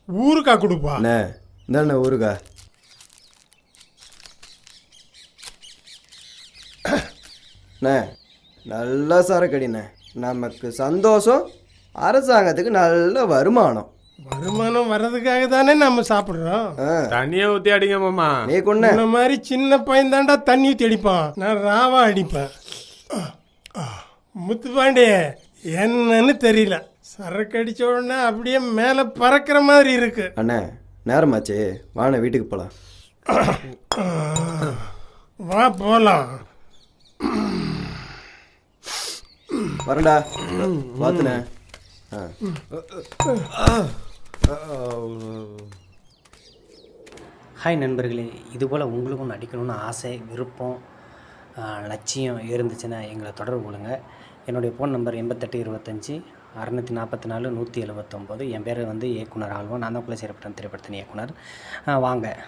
ஊருக்கா கொடுப்பா. அண்ணே இந்தாண்ணே ஊருக்கா. அண்ணே நல்லா சரக்கடிண்ணே. நமக்கு சந்தோஷம், அரசாங்கத்துக்கு நல்ல வருமானம். வருமானம் வர்றதுக்காக தானே நம்ம சாப்பிட்றோம். தண்ணியை ஊற்றி அடிங்க மாமா. நீ கொண்ணே இந்த மாதிரி சின்ன பையன் தாண்டா தண்ணி ஊற்றி அடிப்பான். நான் ராவா அடிப்பேன். முத்துப்பாண்டே என்னன்னு தெரியல, சரக்கு அடிச்ச உடனே அப்படியே மேலே பறக்கிற மாதிரி இருக்கு. அண்ணே நேரமாச்சே, வாண்ணே வீட்டுக்கு போகலாம். வா போலாம். வரண்டா பார்த்துண்ணே. ஹாய் நண்பர்களே, இதுபோல் உங்களுக்கும் நடிக்கணும்னு ஆசை, விருப்பம், லட்சியம் இருந்துச்சுன்னா எங்களை தொடர்பு கொள்ளுங்க. என்னுடைய ஃபோன் நம்பர் 88 25 644 179. என் பேர் வந்து இயக்குனர் ஆழ்வான். நான் தான் குலசேரப்பட்டம் திரைப்படத்தின் இயக்குனர். வாங்க.